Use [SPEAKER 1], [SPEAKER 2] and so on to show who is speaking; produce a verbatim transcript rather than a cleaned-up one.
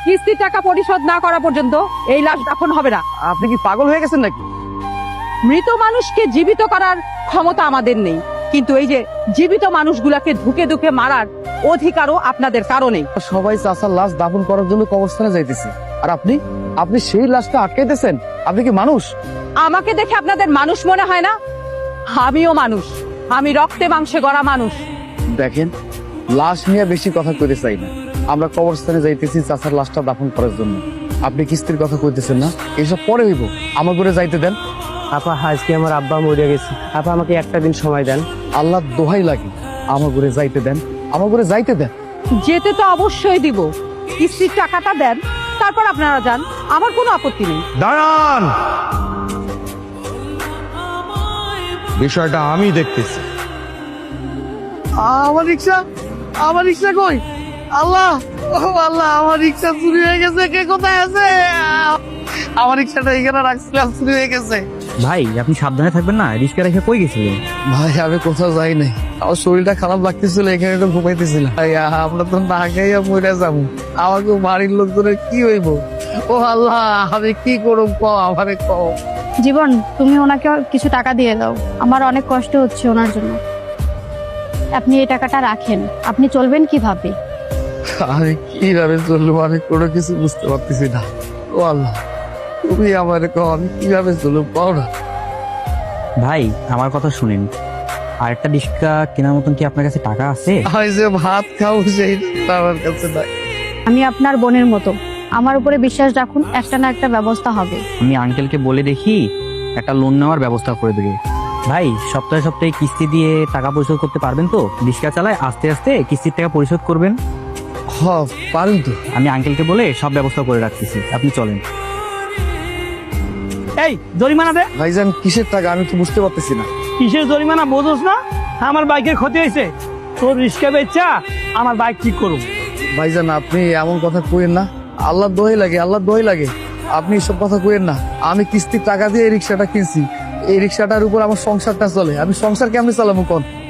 [SPEAKER 1] কিস্তির টাকা পরিশোধ না করা পর্যন্ত এই লাশ দাফন হবে না।
[SPEAKER 2] আপনি কি পাগল হয়ে গেছেন নাকি?
[SPEAKER 1] মৃত মানুষকে জীবিত করার ক্ষমতা আমাদের নেই, কিন্তু এই যে জীবিত মানুষগুলাকে ধুকে ধুকে মারার অধিকারও আপনাদের কারণে।
[SPEAKER 2] সবাই চাচার লাশ দাফন করার জন্য কবরস্থানে যাইতেছে, আর আপনি আপনি সেই লাশটা আটকাইতেছেন? আপনি কি মানুষ?
[SPEAKER 1] আমাকে দেখে আপনাদের মানুষ মনে হয় না? আমিও মানুষ, আমি রক্তে মাংসে গড়া মানুষ।
[SPEAKER 2] দেখেন, লাশ নিয়ে বেশি কথা কইতে চাই না। আমরা কবরস্থানে যাইতেছি চাচার লাশটা দাফন করার জন্য। আপনি কিস্তির কথা কইতেছেন না, এসব পরে হইব। আমার করে যাইতে দেন।
[SPEAKER 3] আপা আজকে আমার আব্বা মরে গেছে, আপা আমাকে একটা দিন সময় দেন।
[SPEAKER 2] আল্লাহ দোহাই লাগে, আমার করে যাইতে দেন, আমার করে যাইতে দেন।
[SPEAKER 1] যেতে তো অবশ্যই দিব, কিস্তির টাকাটা দেন, তারপর আপনারা যান, আমার কোনো আপত্তি নেই।
[SPEAKER 4] দাঁড়ান, বিষয়টা আমি দেখতেছি।
[SPEAKER 2] আমার রিক্সা, আমার রিক্সা কই? আল্লাহ, ও আল্লাহ, আমার রিক্সা চুরি হয়ে গেছে। কে কোথায় আছে? আমার রিক্সাটা এখানে রাখছিলাম, চুরি হয়ে গেছে।
[SPEAKER 3] ভাই আপনি সাবধানে থাকবেন না, রিস্কা রেখে কই গেছিলেন?
[SPEAKER 2] ভাই আমি কোথাও যাই নাই, আমার শরীরটা খারাপ লাগতেছিল, এখানে একটু ঘুমাইতেছিলাম। ভাই আমরা তো না খাইয়া মরে যাবো, আমাকে বাড়ির লোকজনের কি হইব? ও আল্লাহ, আমি কি করব? কও আমারে, কও।
[SPEAKER 5] জীবন, তুমি ওনাকে কিছু টাকা দিয়ে দাও, আমার অনেক কষ্ট হচ্ছে ওনার জন্য। আপনি এই টাকাটা রাখেন, আপনি চলবেন কিভাবে?
[SPEAKER 2] আমি কিভাবে চলবো? আমি কোনো কিছু বুঝতে পারতেছি না। ও আল্লাহ, তুমি আমার কও, আমি কিভাবে চলবো? পাও না।
[SPEAKER 3] ভাই আমার কথা শুনেন, আর একটা রিস্কা কেনার মতন কি আপনার কাছে টাকা আছে?
[SPEAKER 2] আমি যে ভাত খাবো সেই টাকা আমার কাছে নাই।
[SPEAKER 5] আমি আপনার বোনের মতো, আমার উপরে বিশ্বাস রাখুন, একটা না একটা ব্যবস্থা হবে।
[SPEAKER 3] আমি আঙ্কেলকে বলে দেখি একটা লোন নেওয়ার ব্যবস্থা করে দেবে। ভাই সপ্তাহে সপ্তাহে কিস্তি দিয়ে টাকা পরিশোধ করতে পারবেন তো? রিস্কা চালায় আস্তে আস্তে কিস্তির টাকা পরিশোধ করবেন।
[SPEAKER 2] হ, পারেন তো।
[SPEAKER 3] আমি আঙ্কেলকে বলে সব ব্যবস্থা করে রাখতেছি, আপনি চলেন।
[SPEAKER 6] এই জরিমানা দে।
[SPEAKER 2] ভাইজান কিসের টাকা আমি তো বুঝতে পারতেছি না।
[SPEAKER 6] কিসের জরিমানা বোঝোস না? আমার বাইকের ক্ষতি হয়েছে, তোর রিস্কা বেচা আমার বাইক ঠিক করুন।
[SPEAKER 2] ভাইজান আপনি এমন কথা কইেন না, আল্লাহ দোহাই লাগে, আল্লাহ দোহাই লাগে। আপনি এসব কথা কইেন না। আমি কিস্তির টাকা দিয়ে এই রিক্সাটা কিনছি, এই রিক্সাটার উপর আমার সংসারটা চলে। আমি সংসার কেমনি চালাবো কোন?